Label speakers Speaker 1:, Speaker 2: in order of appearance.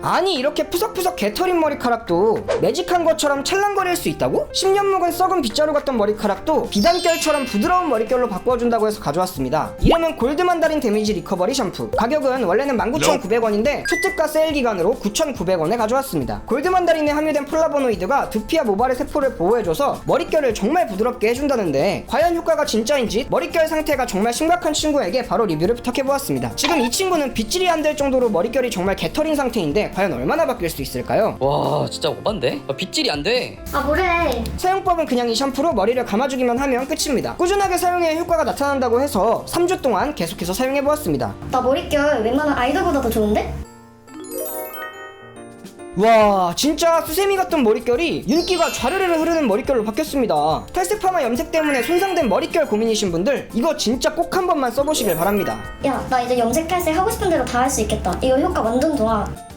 Speaker 1: 아니 이렇게 푸석푸석 개털인 머리카락도 매직한 것처럼 찰랑거릴 수 있다고? 10년 묵은 썩은 빗자루 같던 머리카락도 비단결처럼 부드러운 머릿결로 바꿔준다고 해서 가져왔습니다. 이름은 골드만다린 데미지 리커버리 샴푸. 가격은 원래는 19,900원인데 초특가 세일 기간으로 9,900원에 가져왔습니다. 골드만다린에 함유된 폴라보노이드가 두피와 모발의 세포를 보호해줘서 머릿결을 정말 부드럽게 해준다는데 과연 효과가 진짜인지 머릿결 상태가 정말 심각한 친구에게 바로 리뷰를 부탁해보았습니다. 지금 이 친구는 빗질이 안 될 정도로 머릿결이 정말 개털인 상태인데 과연 얼마나 바뀔 수 있을까요?
Speaker 2: 와 진짜 오반데? 빗질이 안 돼.
Speaker 3: 아 뭐래.
Speaker 1: 사용법은 그냥 이 샴푸로 머리를 감아주기만 하면 끝입니다. 꾸준하게 사용해야 효과가 나타난다고 해서 3주 동안 계속해서 사용해보았습니다.
Speaker 3: 나 머릿결 웬만한 아이돌보다 더 좋은데?
Speaker 1: 와 진짜 수세미 같던 머릿결이 윤기가 좌르르르 흐르는 머릿결로 바뀌었습니다. 탈색 파마 염색 때문에 손상된 머릿결 고민이신 분들 이거 진짜 꼭 한 번만 써보시길 바랍니다.
Speaker 3: 야 나 이제 염색 탈색 하고 싶은 대로 다 할 수 있겠다. 이거 효과 완전 좋아.